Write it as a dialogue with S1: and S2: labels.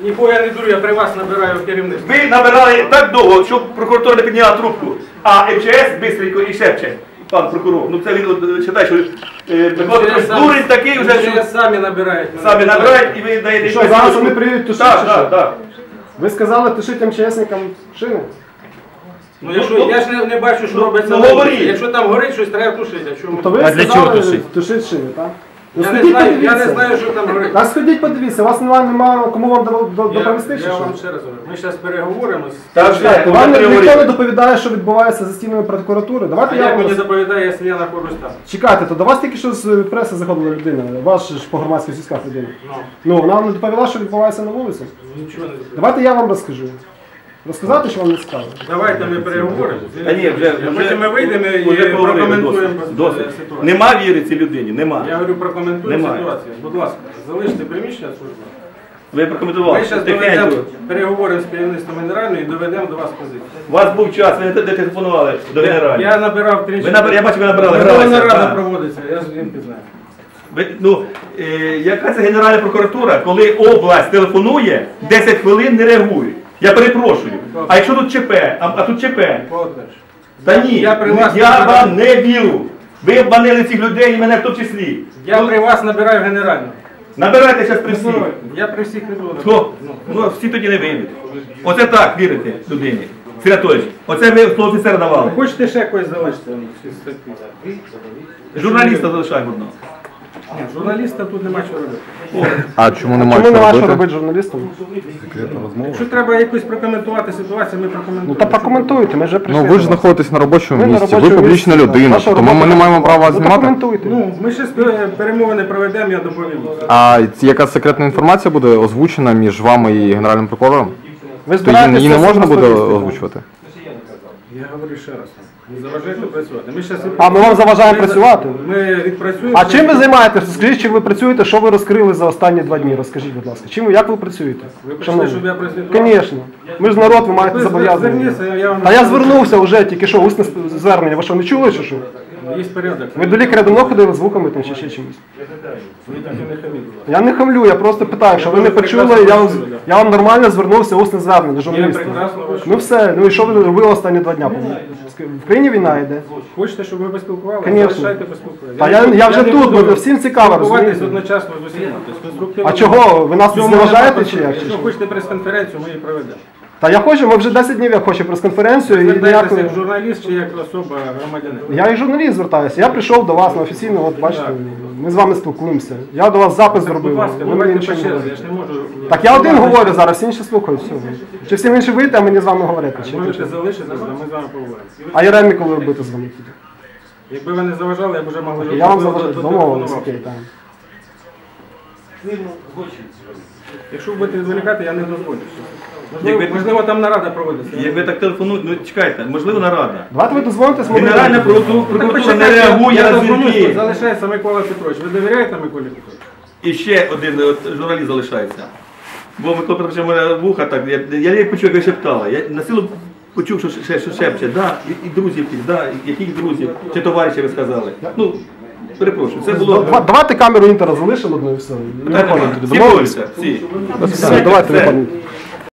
S1: Нікого я не дурю, я при вас набираю керівництво.
S2: Ви набирали так довго, щоб прокуратура не підняла трубку, а МЧС бистренько і шепче, пан прокурор. Ну це він вважає, що дурень такий вже, що
S1: самі набирають.
S2: самі набирають і ви даєте...
S3: Що, зараз вони приїдуть тушити?
S2: Так.
S3: Ви сказали тушити МЧСникам шини?
S1: Ну я ж не бачу, що робиться. Якщо там горить щось, треба тушити.
S3: То ви сказали тушити шини, так?
S1: Я не знаю, що там горить.
S3: Так сходіть, подивіться, у вас немає кому вам доповісти, чи що?
S1: Я вам ще раз говорю, ми зараз переговоримо.
S3: Вам ніхто не доповідає, що відбувається за стінами прокуратури. Давайте
S1: А як мені доповідає, якщо я знаходжусь там?
S3: Чекайте, то до вас тільки що з преси заходила людина, ваш ж по громадських зв'язках людина. Ну, вона вам не доповіла, що відбувається на вулиці?
S1: Нічого не доповідає.
S3: Давайте я вам розкажу. Розказати, що вам не цікаво?
S1: Давайте ми переговоримо.
S2: Та ні,
S1: Потім ми вийдемо і прокоментуємо ситуацію.
S2: Нема віри цій людині, нема.
S1: Я говорю, прокоментуємо
S2: Немає.
S1: ситуацію. Будь ласка, залиште приміщення служби.
S2: Ви прокоментували.
S1: Ми зараз доведемо, переговоримо з керівництвом генеральної і доведемо до вас позицію.
S2: У вас був час, ви не телефонували до генеральної.
S1: Я набирав тричі.
S2: Я бачу, ви набирали.
S1: Верховна Рада проводиться, я звідки знаю.
S2: Яка це Генеральна прокуратура, коли область телефонує, 10 хвилин не реагують? Я перепрошую. А якщо тут ЧП, а тут ЧП? Та ні, я вам не вірю. Ви обманили цих людей і мене в тому числі.
S1: Я при вас набираю генеральну.
S2: Набирайте зараз при всіх.
S1: Я при всіх не буду.
S2: Хто? Ну, всі тоді не вийдуть. Оце так вірите людині. Сергій Анатолійович, оце ви офіцера давали.
S1: Хочете ще когось залишити?
S2: Журналіста залишаємо одного.
S1: Ні, журналіста тут нема що робити.
S4: А чому
S3: Чому
S4: немає
S3: нема що
S4: що робити?
S3: робити журналістам?
S1: Якщо треба якось прокоментувати ситуацію, ми прокоментуємо.
S3: Ну та прокоментуйте, ми вже прийшли.
S4: Ну ви ж
S3: до вас.
S4: знаходитесь на робочому
S3: Ви на
S4: місці, ви
S3: робочому
S4: публічна
S3: місці,
S4: людина,
S3: ваша
S4: тому ми
S3: робота.
S4: не маємо права
S3: Ну,
S4: знімати.
S3: прокоментуйте.
S1: Ну, ми ще перемовини проведемо, я доповім.
S4: А яка секретна інформація буде озвучена між вами і Генеральним прокурором?
S3: Ви
S4: То її не
S3: це
S4: можна буде
S3: розповісти?
S4: озвучувати?
S1: Я говорю ще раз. Не заважайте працювати.
S3: А ми вам заважаємо працювати?
S1: Ми відпрацюємо.
S3: А чим ви займаєтеся? Скажіть, чим ви працюєте, що ви розкрили за останні 2 дні? Розкажіть, будь ласка. Як ви працюєте?
S1: Ви прийшли, щоб я прозвітував?
S3: Звісно. Ми ж народ, ви маєте
S1: Ви
S3: зобов'язання.
S1: зверніться, я вам...
S3: Та я звернувся вже, тільки що, усне звернення. Ви що, не чули, чи що?
S1: Є порядок.
S3: Ви до лікаря давно ходили з звуками там чи ще чимось?
S1: Ви так і не хаміть, будь ласка.
S3: Я не хамлю, я просто питаю, що ви не почули, я вам нормально звернувся, усне звернення до
S1: Я
S3: журналіста.
S1: прекрасно вас
S3: Ну все, ну і що ви робили останні 2 дня? В країні війна йде.
S1: Хочете, щоб ви поспілкувалися?
S3: Конечно.
S1: Залишайте поспілкуватися.
S3: Та я вже
S1: не
S3: тут,
S1: буду
S3: бо всім цікаво,
S1: спілкуватись
S3: розумієте?
S1: одночасно з усіма. Тобто конструктивно.
S3: А чого? Ви нас не
S1: Цьому
S3: зневажаєте
S1: нема
S3: чи як?
S1: Якщо хочете прес-конференцію, ми її проведемо.
S3: Та я хочу, ми вже 10 днів я хочу прес-конференцію і
S1: Звертайтеся
S3: ніякої...
S1: як журналіст чи як особа громадянин.
S3: Я і журналіст звертаюся. Я прийшов до вас на офіційно, от бачите, ми з вами спілкуємося. Я до вас запис
S1: Будь
S3: зробив.
S1: ласка,
S3: ви мені
S1: давайте по
S3: нічого не
S1: черзі,
S3: говорите.
S1: я ж не можу...
S3: Так я один говорю зараз, всі інші слухають. Все. Чи всі інші вийти, а мені з вами говорити? Чи
S1: Можете
S3: як?
S1: залишитися, а ми з вами поговоримо.
S3: А Єремі коли робити з вами?
S1: Якби ви не заважали, я б вже могли...
S3: Я вам заважаю, домовились, окей, так.
S1: Якщо ви будете відволікати, я не дозволю.
S2: Якби-
S1: Можливо, там нарада проводиться.
S2: Як ви так телефонуєте, ну чекайте, можливо нарада.
S3: Давайте ви дозвоните
S2: Генеральна прокуратура не реагує на дзвінки.
S1: Залишається Микола Петрович. Ви довіряєте Миколі Петровичу?
S2: І ще один журналіст залишається. Бо Микола Петрович у мене вуха так, я не почув, як ви шептали. Я на силу почув, що шепче, да, і друзів, да, яких друзів, чи товаришів ви сказали. Ну, перепрошую, це було...
S3: Давайте камеру Інтера залишимо одну і все.
S2: Всі борються, всі.
S3: Все, давайте виходимо.